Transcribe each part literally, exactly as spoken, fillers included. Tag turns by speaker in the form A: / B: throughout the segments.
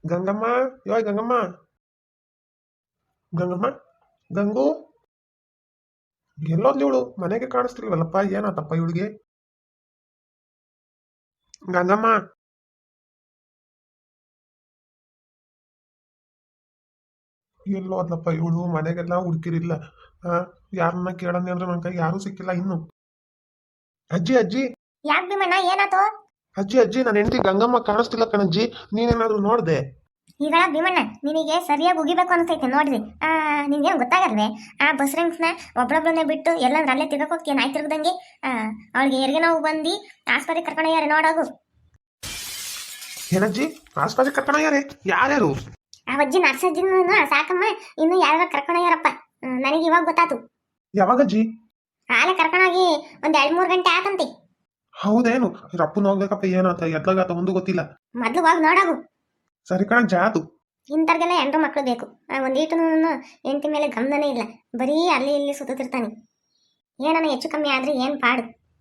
A: ಗಂಗಮ್ಮ. ಯೋಯ್ ಗಂಗಮ್ಮ. ಗಂಗಮ್ಮ. ಗಂಗು. ಎಲ್ಲೋದ್ಲಿ ಇವಳು ಮನೆಗೆ ಕಾಣಿಸ್ತಿಲ್ವಲ್ಲಪ್ಪ, ಏನಾತಪ್ಪ ಇವಳಿಗೆ? ಗಂಗಮ್ಮ. ಎಲ್ಲೋದ್ಲಪ್ಪ ಇವಳು? ಮನೆಗೆಲ್ಲ ಹುಡುಕಿರಿಲ್ಲ. ಆ ಯಾರನ್ನ ಕೇಳಂಗೆ ಅಂದ್ರೆ ನನ್ನ ಕೈ ಯಾರೂ ಸಿಕ್ಕಿಲ್ಲ ಇನ್ನು. ಅಜ್ಜಿ ಅಜ್ಜಿ.
B: ಯಾಕೆ ಭೀಮಣ್ಣ, ಏನಾತು?
A: ಅಜ್ಜಿ ಅಜ್ಜಿ, ನನ್ನ ಹೆಂಡತಿ ಗಂಗಮ್ಮ ಕಾಣಿಸ್ತಿಲ್ಲ ಕಣಜ್ಜಿ, ನೀನೇನಾದ್ರೂ ನೋಡ್ದೆ?
B: ಈಗ ಭೀಮಣ್ಣ ನಿನಗೆ ಸರಿಯಾಗಿ ಉಗಿಬೇಕು ಅನ್ಸೈತೆ ನೋಡ್ರಿ. ಆ ನಿನ್ಗೇನು ಗೊತ್ತಾಗಲ್ವೇ? ಆ ಬಸ್ ರಂಗ್ಸ್ನ ಒಬ್ಳೊಬ್ಳನ್ನೇ ಬಿಟ್ಟು ಎಲ್ಲಂದ್ರೆ ಅಲ್ಲೇ ತಿರ್ಗಕ್ ಹೋಗ್ತೀಯ ನಾಯಿ ತಿರ್ಗದಂಗೆ. ಆ ಅವಳಿಗೆ ಹೆರಿಗೆ ನೋವು ಬಂದು ಆಸ್ಪತ್ರೆಗೆ ಕರ್ಕೊಂಡೋಗ್ಯಾರ ನೋಡೋಗು.
A: ಏನಜ್ಜಿ ಆಸ್ಪತ್ರೆಗೆ ಕರ್ಕೊಂಡೋಗ್ಯಾರೆ? ಯಾರ್ಯಾರು?
B: ಆ ಅಜ್ಜಿ ನರ್ಸಜ್ಜಿನ ಸಾಕಮ್ಮ, ಇನ್ನು ಯಾರು ಕರ್ಕೊಂಡೋಗ್ಯಾರಪ್ಪ. ನನಗೆ ಇವಾಗ ಗೊತ್ತಾತು.
A: ಯಾವಾಗಜ್ಜಿ?
B: ಆಲೆ ಕರ್ಕೊಂಡೋಗಿ ಒಂದ್ ಎರಡ್ ಮೂರ್ ಗಂಟೆ ಆತಂತಿ.
A: ಹೌದೇನು? ರಪ್ಪನ ಹೋಗ್ಬೇಕಪ್ಪ, ಏನಾತ ಎದ್ಲಾಗಾತ ಒಂದು ಗೊತ್ತಿಲ್ಲ.
B: ಮೊದ್ಲು ಹೋಗಿ ನೋಡೋಗು.
A: ಸರಿ ಕಣ ಜಾತು.
B: ಇಂಥವ್ರಿಗೆಲ್ಲ ಹೆಂಡ್ರು ಮಕ್ಕಳು ಬೇಕು. ಒಂದೀಟು ಹೆಂಡತಿ ಮೇಲೆ ಗಮನನೇ ಇಲ್ಲ, ಬರೀ ಅಲ್ಲಿ ಇಲ್ಲಿ ಸುತ್ತಿರ್ತಾನೆ. ಏನನ ಹೆಚ್ಚು ಕಮ್ಮಿ ಆದ್ರೆ ಏನ್ ಪಾಡು.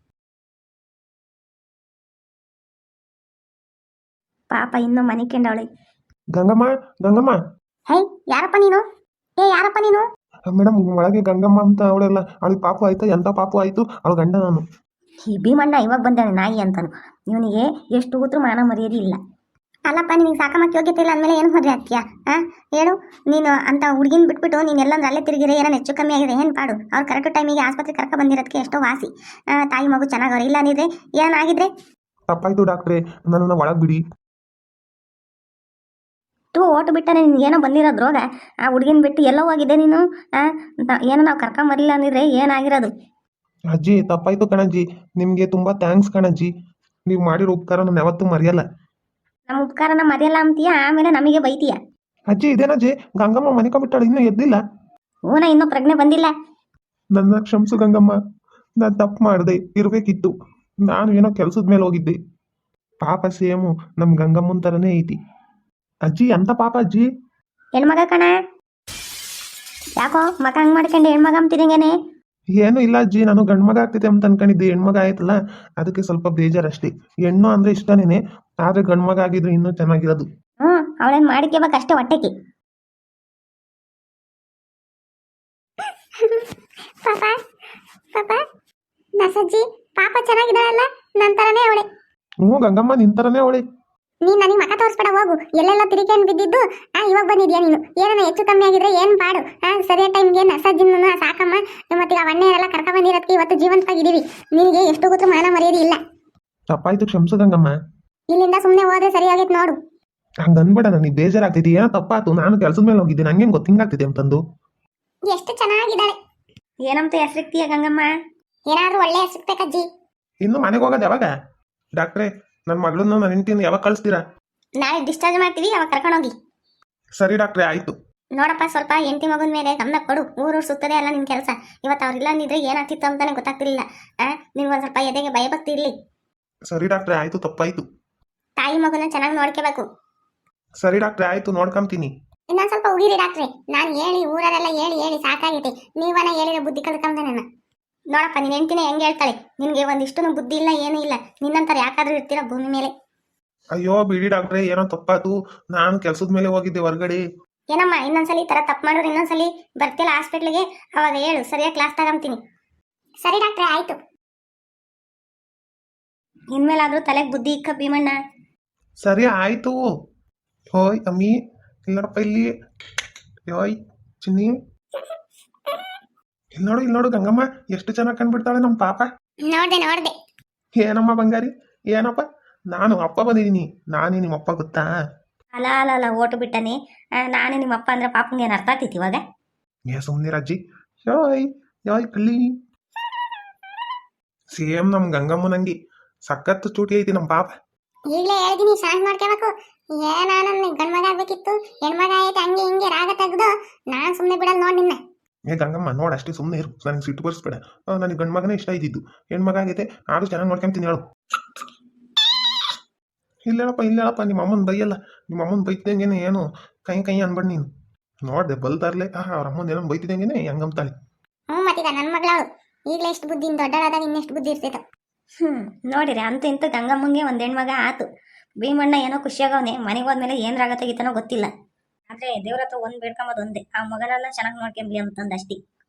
B: ಪಾಪ ಇನ್ನೂ ಮನೆ ಕೆಂಡವಳಿ.
A: ಗಂಗಮ್ಮ. ಗಂಗಮ್ಮ.
B: ಹೈ, ಯಾರಪ್ಪ ನೀನು? ಏ ಯಾರಪ್ಪ ನೀನು?
A: ಮೇಡಮ್, ಒಳಗೆ ಗಂಗಮ್ಮ ಅಂತ ಅವಳೆಲ್ಲ, ಅವಳಿಗೆ ಪಾಪು ಆಯ್ತು. ಎಂತ ಪಾಪು ಆಯ್ತು? ಅವಳ ಗಂಡ ನಾನು.
B: ಈ ಭೀಮಣ್ಣ ಇವಾಗ ಬಂದಾನೆ ನಾಯಿ ಅಂತಾನು. ಇವನಿಗೆ ಎಷ್ಟು ಕೂತ್ರು ಮಾನ ಮರ್ಯಾದೆ ಇಲ್ಲ. ಅಲ್ಲಪ್ಪ, ನಿನಗೆ ಸಾಕಮ್ಮಕ್ಕೆ ಯೋಗ್ಯತೆ ಇಲ್ಲ ಅಂದಮೇಲೆ ಏನು ಮದುವೆ ಆಗ್ತೀಯಾ? ಆ ಹೇಳು. ನೀನು ಅಂತ ಹುಡುಗಿನ ಬಿಟ್ಬಿಟ್ಟು ನೀನು ಎಲ್ಲಂದ್ರೆ ಅಲ್ಲೇ ತಿರುಗಿರೆ, ಏನೋ ಹೆಚ್ಚು ಕಮ್ಮಿ ಆಗಿದೆ ಏನು ಪಾಡು? ಅವ್ರು ಕರೆಕ್ಟ್ ಟೈಮಿಗೆ ಆಸ್ಪತ್ರೆ ಕರ್ಕ ಬಂದಿರೋದಕ್ಕೆ ಎಷ್ಟೋ ವಾಸಿ. ತಾಯಿ ಮಗು ಚೆನ್ನಾಗವ್ರೆ. ಇಲ್ಲ ಅಂದಿದ್ರೆ ಏನಾಗಿದ್ರೆ?
A: ತಪ್ಪಾಯ್ತು ಡಾಕ್ಟ್ರೆ, ನನ್ನನ್ನು ಒಳಗೆ ಬಿಡಿ.
B: ಟೂ ಓಟು ಬಿಟ್ಟರೆ ನಿನ್ಗೇನೋ ಬಂದಿರೋದು ರೋಗ. ಆ ಹುಡುಗಿನ ಬಿಟ್ಟು ಎಲ್ಲೋ ಹೋಗಿದೆ ನೀನು. ಏನೋ ನಾವು ಕರ್ಕೊಂಬರಲಿಲ್ಲ ಅಂದಿದ್ರೆ ಏನಾಗಿರೋದು?
A: ಅಜ್ಜಿ ತಪ್ಪಾಯ್ತು ಕಣಜ್ಜಿ, ನಿಮಗೆ ತುಂಬಾ ಥ್ಯಾಂಕ್ಸ್ ಕಣಜ್ಜಿ. ನೀವು ಮಾಡಿರೋ ಉಪಕಾರ ನಾನು ಯಾವತ್ತೂ ಮರೆಯಲ್ಲ.
B: ನಮ್ಮ ಉಪಕಾರನ ಮರೆಯಲ್ಲ ಅಂತೀಯ, ಆಮೇಲೆ ನಮಗೆ ಬೈತೀಯ.
A: ಅಜ್ಜಿ ಇದೇನಜ್ಜಿ, ಗಂಗಮ್ಮ ಮನಿಕೊಂಡ್ಬಿಟ್ಟಾಳೆ, ಇನ್ನೂ ಎದ್ದಿಲ್ಲ.
B: ಹೂನ, ಇನ್ನೂ ಪ್ರಜ್ಞೆ ಬಂದಿಲ್ಲ.
A: ನನ್ನ ಕ್ಷಮಿಸು ಗಂಗಮ್ಮ, ನಾನು ತಪ್ಪು ಮಾಡಿದೆ, ಇರಬೇಕಿತ್ತು. ನಾನು ಏನೋ ಕೆಲಸದ ಮೇಲೆ ಹೋಗಿದ್ದೆ. ಪಾಪ ಸೇಮು ನಮ್ಮ ಗಂಗಮ್ಮನ ಥರನೇ ಐತಿ. ಅಜ್ಜಿ ಎಂತ ಪಾಪ ಅಜ್ಜಿ?
B: ಹೆಣ್ಮಗ ಕಣ. ಯಾಕೋ ಮಗ ಹಂಗೆ ಮಾಡ್ಕೊಂಡು ಹೆಣ್ಮಗ ಅಂತಿದಂಗೇನೆ?
A: ಏನು ಇಲ್ಲ ಅಜ್ಜಿ, ನಾನು ಗಂಡು ಮಗ ಆಗ್ತಿದೆ ಅಂತ ಅನ್ಕೊಂಡಿದ್ದೆ. ಹೆಣ್ಮಗ ಆಯ್ತಲ್ಲ, ಅದಕ್ಕೆ ಸ್ವಲ್ಪ ಬೇಜಾರಷ್ಟೇ. ಹೆಣ್ಣು ಅಂದ್ರೆ ಇಷ್ಟನೇನೆ, ಆದ್ರೆ ಗಂಡು ಮಗ ಆಗಿದ್ರೆ ಇನ್ನೂ ಚೆನ್ನಾಗಿರೋದು.
B: ಹ್ಞೂ, ಅವಳೇನು ಮಾಡಿಕೆಬೇಕು ಅಷ್ಟೇ ಹೊಟ್ಟೆಗೆ. ಪಾಪ ಪಾಪ ನಸಜ್ಜಿ ಪಾಪ ಚೆನ್ನಾಗಿದ್ದಾಳಲ್ಲ, ನನ್ನ ಥರನೇ ಅವಳೆ.
A: ಹ್ಞೂ ಗಂಗಮ್ಮ ನಿನ್ ಥರನೇ ಅವಳೆ.
B: ನೀನು ನನಗೆ ಮಕ ತೋರಿಸ್ಬೇಡ, ಹೋಗು. ಎಲ್ಲೆಲ್ಲ ತಿರುಗೇನು ಬಿದ್ದಿದ್ದು ಆ ಇವಾಗ ಬಂದಿದ್ಯಾ ನೀನು? ಏನೋ ಹೆಚ್ಚು ಕಮ್ಮಿ ಆಗಿದ್ರೆ ಏನು ಪಾಡು? ಆ ಸರಿಯಾದ ಟೈಮ್ಗೆ ನಸಜ್ಜಿನ ಸಾಕಮ್ಮ ಮತ್ತೆ ಆ ಅಣ್ಣೆಯರೆಲ್ಲ ಕರ್ಕ ಬಂದಿರೋದಕ್ಕೆ ಇವತ್ತು ಜೀವಂತವಾಗಿದ್ದೀವಿ. ನಿನಗೆ ಎಷ್ಟು ಗೊತ್ತು ಮಾನ ಮರ್ಯಾದೆ ಇಲ್ಲ.
A: ತಪ್ಪಾಯ್ತು, ಕ್ಷಮಿಸು ಗಂಗಮ್ಮ.
B: ಇಲ್ಲಿಂದ ಸುಮ್ಮನೆ ಹೋದ್ರೆ ಸರಿ ಆಗೈತೆ ನೋಡು.
A: ಹಂಗ ಅನ್ಬೇಡ, ನನಗೆ ಬೇಜಾರಾಗ್ತಿದೆ. ಏನೋ ತಪ್ಪಾತು, ನಾನು ಕೆಲಸದ ಮೇಲೆ ಹೋಗಿದ್ದೆ, ನಂಗೇನು ಗೊತ್ತಿಂಗಾಗ್ತಿದೆ ಅಂತಂದು.
B: ಎಷ್ಟು ಚೆನ್ನಾಗಿದ್ದಾಳೆ. ಏನಂತ ಹೆಸರಿಕ್ತೀಯ ಗಂಗಮ್ಮ? ಏನಾದ್ರೂ ಒಳ್ಳೆ ಹೆಸರಿಕ್ಬೇಕಜ್ಜಿ.
A: ಇನ್ನು ಮನೆಗೆ ಹೋಗೋದು ಯಾವಾಗ? ಡಾಕ್ಟ್ರೆ, ನನ್ನ ಮಗಳನ್ನ ನನ್ನ ಹೆಂಡತಿನ ಯಾವಾಗ ಕಳಿಸ್ತೀರಾ?
B: ನಾಳೆ ಡಿಸ್ಚಾರ್ಜ್ ಮಾಡ್ತೀವಿ, ಅವಾಗ ಕರ್ಕೊಂಡೋಗಿ.
A: ಸರಿ ಡಾಕ್ಟ್ರೆ, ಆಯ್ತು.
B: ನೋಡಪ್ಪ, ಸ್ವಲ್ಪ ಹೆಂಡತಿ ಮಗನ ಮೇಲೆ ಗಮನ ಕೊಡು. ಊರು ಸುತ್ತದೆ ಅಲ್ಲ ನಿನ್ನ ಕೆಲಸ. ಇವತ್ತು ಅವ್ರಿಲ್ಲ ಅಂದಿದ್ರೆ ಏನಾಗ್ತಿತ್ತು ಅಂತಾನೆ ಗೊತ್ತಾಗ್ತಿರ್ಲಿಲ್ಲ. ಆ ನಿನ್ಗೊಂದು ಸ್ವಲ್ಪ ಎದೆಗೆ ಭಯಭಕ್ತಿ ಇರಲಿ.
A: ಸರಿ ಡಾಕ್ಟ್ರೆ, ಆಯ್ತು, ತಪ್ಪಾಯ್ತು.
B: ತಾಯಿ ಮಗನ ಚೆನ್ನಾಗಿ ನೋಡ್ಕೋಬೇಕು.
A: ಸರಿ ಡಾಕ್ಟ್ರೆ, ಆಯ್ತು, ನೋಡ್ಕೊಂತೀನಿ.
B: ಇನ್ನೊಂದು ಸ್ವಲ್ಪ ಉಗಿರಿ ಡಾಕ್ಟ್ರೆ. ನಾನು ಹೇಳಿ ಊರರೆಲ್ಲ ಹೇಳಿ ಹೇಳಿ ಸಾಕಾಗೈತೆ. ನೀವನ್ನ ಹೇಳಿರೋ ಬುದ್ಧಿ ಕಲ್ತ್ಕೊಂಡೆ ನನ್ನ. ನೋಡಪ್ಪ, ನಿನ್ನ ಹೆಂಡತಿನೇ ಹೆಂಗೆ ಹೇಳ್ತಾಳೆ, ನಿನಗೆ ಒಂದಿಷ್ಟು ಬುದ್ಧಿ ಇಲ್ಲ, ಏನೂ ಇಲ್ಲ. ನಿನ್ನಂತರ ಯಾಕಾದ್ರೂ ಇರ್ತೀರ ಭೂಮಿ ಮೇಲೆ?
A: ಅಯ್ಯೋ ಬಿಡಿ ಡಾಕ್ಟ್ರೆ, ಏನೋ ತಪ್ಪಾತು. ನಾನು ಕೆಲಸದ ಮೇಲೆ ಹೋಗಿದ್ದೆ ಹೊರಗಡೆ.
B: ಏನಮ್ಮ, ಇನ್ನೊಂದ್ಸಲಿ ಈ ಥರ ತಪ್ಪು ಮಾಡಿದ್ರೆ ಇನ್ನೊಂದ್ಸಲಿ ಬರ್ತಿಲ್ಲ ಹಾಸ್ಪಿಟ್ಲಿಗೆ, ಅವಾಗ ಹೇಳು, ಸರಿಯಾಗಿ ಕ್ಲಾಸ್ ತಗೊಂತೀನಿ. ಸರಿ ಡಾಕ್ಟ್ರೆ, ಆಯ್ತು. ಇನ್ಮೇಲಾದ್ರೂ ತಲೆಗೆ ಬುದ್ಧಿ ಇಕ್ಕ ಭೀಮಣ್ಣ.
A: ಸರಿ ಆಯ್ತು. ಹೋಯ್ ಅಮ್ಮಿ, ಇಲ್ಲಪ್ಪ ಇಲ್ಲಿ. ಯೋಯ್ ಚಿನ್ನಿ, ಇಲ್ಲಿ ನೋಡು, ಇಲ್ಲಿ ನೋಡು ಗಂಗಮ್ಮ, ಎಷ್ಟು ಚೆನ್ನಾಗಿ ಕಂಡ್ಬಿಡ್ತಾಳೆ ನಮ್ಮ ಪಾಪ.
B: ನೋಡ್ದೆ ನೋಡ್ದೆ.
A: ಏನಮ್ಮ ಬಂಗಾರಿ, ಏನಪ್ಪ? ನಾನು ಅಪ್ಪ ಬಂದಿದ್ದೀನಿ. ನಾನೇ ನಿಮ್ಮ ಅಪ್ಪ ಗೊತ್ತಾ?
B: ಅಲ್ಲ ಅಲ್ಲ ಅಲ್ಲ ಓಟು ಬಿಟ್ಟನೆ. ನಾನೇ ನಿಮ್ಮ ಅಪ್ಪ ಅಂದ್ರೆ ಪಾಪಂಗೆ ಏನು ಅರ್ಥ ಆಗ್ತೈತಿ ಇವಾಗ?
A: ಏ ಸುಮ್ಮನೆ ಅಜ್ಜಿ. ಯೋಯ್ ಯೋಯ್ ಕಳ್ಳಿ. ಸೇಮ್ ನಮ್ಮ ಗಂಗಮ್ಮನಂಗಿ ಸಖತ್ತು ಚೂಟಿ ಐತಿ ನಮ್ಮ ಪಾಪ.
B: ಈಗಲೇ ಹೇಳಿದೀನಿ, ಶಾಂತ್ ಮಾಡ್ಕೋಬೇಕು. ಏನ ನನ್ನ ಗಂಡ್ಮಗ ಆಗ್ಬೇಕಿತ್ತು, ಹೆಣ್ಮಗ ಆಯ್ತು, ಹಂಗೆ ಹಿಂಗೆ ರಾಗ ತೆಗ್ದು ನಾನು ಸುಮ್ಮನೆ ಬಿಡಲ್ಲ ನೋಡಿ ನಿನ್ನ.
A: ಏ ಗಂಗಮ್ಮ, ನೋಡು ಅಷ್ಟೇ, ಸುಮ್ಮನೆ ಇರು, ನನಗೆ ಸಿಟ್ಟು ಬರ್ಸ್ಬೇಡ. ನನಗೆ ಗಂಡು ಮಗನೇ ಇಷ್ಟ ಇದ್ದಿದ್ದು. ಹೆಣ್ಮಗ ಆಗೈತೆ, ಆದ್ರೂ ಚೆನ್ನಾಗಿ ನೋಡ್ಕೊಂತೀನಿ ಹೇಳು. ಇಲ್ಲೇಳಪ್ಪ, ಇಲ್ಲೇಳಪ್ಪ, ನಿಮ್ಮ ಅಮ್ಮನ ಬೈಯಲ್ಲ. ನಿಮ್ಮ ಅಮ್ಮನ ಬೈತಿದಂಗೆನೆ ಏನು ಕೈ ಕೈ ಅನ್ಬೇಡ ನೀನು. ನೋಡ್ದೆ ಬಲ್ತಾರ್ಲೆ, ಆ ಅವ್ರ ಅಮ್ಮನ ಏನೋ ಬೈತಿದಂಗೆನೆ ಹೆಂಗಂತಾಳೆ.
B: ಹ್ಞೂ ಮತ್ತೀಗ ನನ್ನ ಮಗಳವಳು ಈಗಲೇ ಎಷ್ಟು ಬುದ್ಧಿ, ದೊಡ್ಡಳಾದಾಗ ಇನ್ನೆಷ್ಟು ಬುದ್ಧಿ ಇರ್ತೈತ. ಹ್ಞೂ ನೋಡಿರಿ, ಅಂತೂ ಇಂತೂ ಗಂಗಮ್ಮಂಗೆ ಒಂದು ಹೆಣ್ಮಗ ಆತು. ಭೀಮಣ್ಣ ಏನೋ ಖುಷಿಯಾಗವನೆ, ಮನೆಗೆ ಹೋದ್ಮೇಲೆ ಏನ್ ರಾಗ ತೆಗಿತಾನೋ ಗೊತ್ತಿಲ್ಲ. ಆದ್ರೆ ದೇವ್ರ ಹತ್ರ ಒಂದ್ ಬೇಡ್ಕೊಂಬದ್ ಒಂದೇ, ಆ ಮಗನೆಲ್ಲ ಚೆನ್ನಾಗಿ ನೋಡ್ಕೊಂಬ್ಲಿ ಅಂತಂದ ಅಷ್ಟೇ.